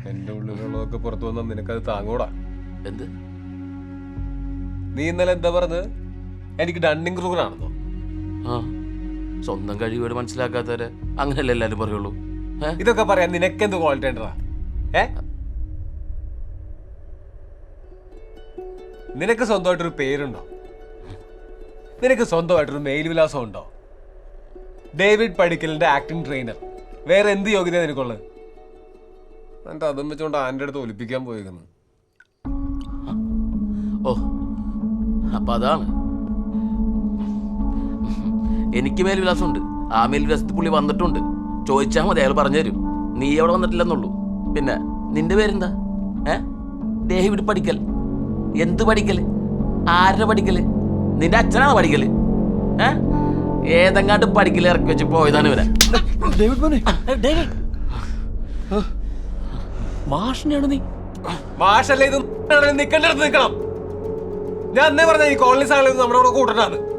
എന്റെ ഉള്ളിലുള്ളതൊക്കെ പുറത്തു വന്നാൽ നിനക്കത് താങ്ങൂടാ. എന്ത്? നീ ഇന്നലെ എന്താ പറഞ്ഞത്? എനിക്ക് ഡണ്ണിങ് ക്രൂഗറാണെന്നോ? ആ, സ്വന്തം കഴിവുകൾ മനസ്സിലാക്കാത്തവരെ അങ്ങനെയല്ലേ എല്ലാരും പറയുള്ളൂ. ഇതൊക്കെ പറയാൻ നിനക്കെന്ത് ക്വാളിറ്റി ഉണ്ടടാ? നിനക്ക് സ്വന്തമായിട്ടൊരു പേരുണ്ടോ? നിനക്ക് സ്വന്തമായിട്ടൊരു മെയിൽ വിലാസം ഉണ്ടോ? ഡേവിഡ് പടിക്കലിന്റെ ആക്ടിംഗ് ട്രെയിനർ. വേറെ എന്ത് യോഗ്യത നിനക്കുള്ളത്? എന്നിട്ട് അതും വെച്ചോണ്ട് ആൻ്റെ അടുത്ത് ഒലിപ്പിക്കാൻ പോയിരിക്കുന്നു. ഓ, അപ്പൊ അതാണ്. എനിക്ക് മേൽവിലാസമുണ്ട്. ആ മേൽവിലാസത്തിൽ പുള്ളി വന്നിട്ടുണ്ട്. ചോദിച്ചാൽ മതി, അയാൾ പറഞ്ഞുതരും. നീ അവിടെ വന്നിട്ടില്ലെന്നുള്ളൂ. പിന്നെ നിന്റെ പേരെന്താ? ഡേവിഡ് പടിക്കൽ. എന്ത് പഠിക്കല്? ആരുടെ പഠിക്കല്? നിന്റെ അച്ഛനാണോ പഠിക്കല്? ഏതെങ്ങാണ്ട് പഠിക്കല് ഇറക്കി വെച്ച് പോയതാണ് ഇവരെ. മാഷിനെയാണ് നീ? മാഷല്ലേ ഇത്? നിൽക്കേണ്ടടുത്ത് നിൽക്കണം. ഞാൻ അന്നേ പറഞ്ഞ ഈ കോളനി സാധനം നമ്മുടെ കൂടെ കൂട്ടണ്ടാന്ന്.